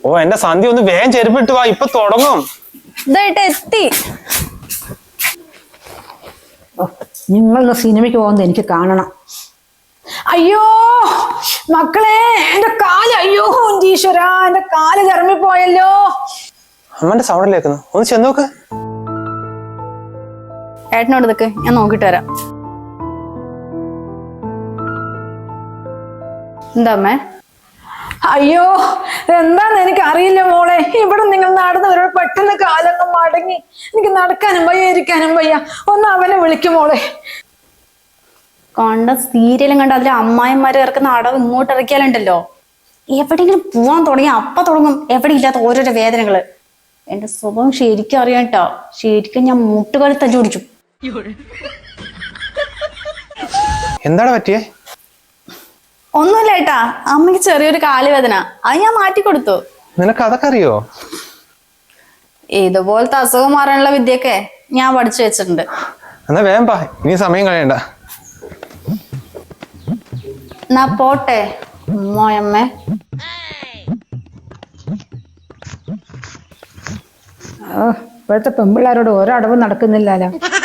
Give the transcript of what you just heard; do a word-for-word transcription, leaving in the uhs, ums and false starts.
ഓ എന്റെ സന്ധ്യ ഒന്ന് വേഗം ചെരുപ്പിട്ട് വാ, ഇപ്പൊ തുടങ്ങും. ഇതായിട്ട് എത്തി. നിങ്ങളൊന്ന് സിനിമയ്ക്ക് പോകുന്നത് എനിക്ക് കാണണം. അയ്യോ മക്കളെ, എന്റെ കാല്, അയ്യോ ഈശ്വര, എന്റെ കാല് കറങ്ങിപ്പോയല്ലോ. അമ്മന്റെ സൗണ്ട് കേൾക്കുന്നു, ഒന്ന് ചെന്ന് നോക്ക്. ഏട്ടനോട് നിൽക്ക്, ഞാൻ നോക്കിട്ട് വരാം. എന്താ അമ്മേ? അയ്യോ എന്താന്ന് എനിക്ക് അറിയില്ല മോളെ. ഇവിടെ നിങ്ങൾ നടന്നു വരും, പെട്ടെന്ന് കാലൊന്നും മടങ്ങി. എനിക്ക് നടക്കാനും വയ്യ, ഇരിക്കാനും വയ്യ. ഒന്ന് അവനെ വിളിക്കും മോളെ. കണ്ട സീരിയലും കണ്ട അതിലെ അമ്മായിമാരെ ഇറക്കുന്ന അടവ് ഇങ്ങോട്ട് ഇറക്കിയാലുണ്ടല്ലോ, എവിടെയെങ്കിലും പോവാൻ തുടങ്ങി അപ്പ തുടങ്ങും എവിടെ ഇല്ലാത്ത ഓരോരോ വേദനകള്. എന്റെ സ്വഭാവം ശരിക്കും അറിയാം കേട്ടോ. ശരിക്കും ഞാൻ മുട്ടുകാലി തല്ലി ഓടിച്ചു. എന്താണ് പറ്റിയേ? ഒന്നുമില്ല ഏട്ടാ, അമ്മയ്ക്ക് ചെറിയൊരു കാലുവേദന, അത് ഞാൻ മാറ്റി കൊടുത്തു. നിനക്ക് അതൊക്കെ അറിയോ? ഇതുപോലത്തെ അസുഖം മാറാനുള്ള വിദ്യയൊക്കെ ഞാൻ പഠിച്ചു വെച്ചിട്ടുണ്ട്. എന്നാ വേഗം പാ, ഇനി സമയം കളയണ്ട. എന്നാ പോട്ടെ അമ്മയമ്മേ. ഇപ്പോഴത്തെ പെൺപിള്ളേരോട് ഓരോ അടവും നടക്കുന്നില്ലല്ലോ.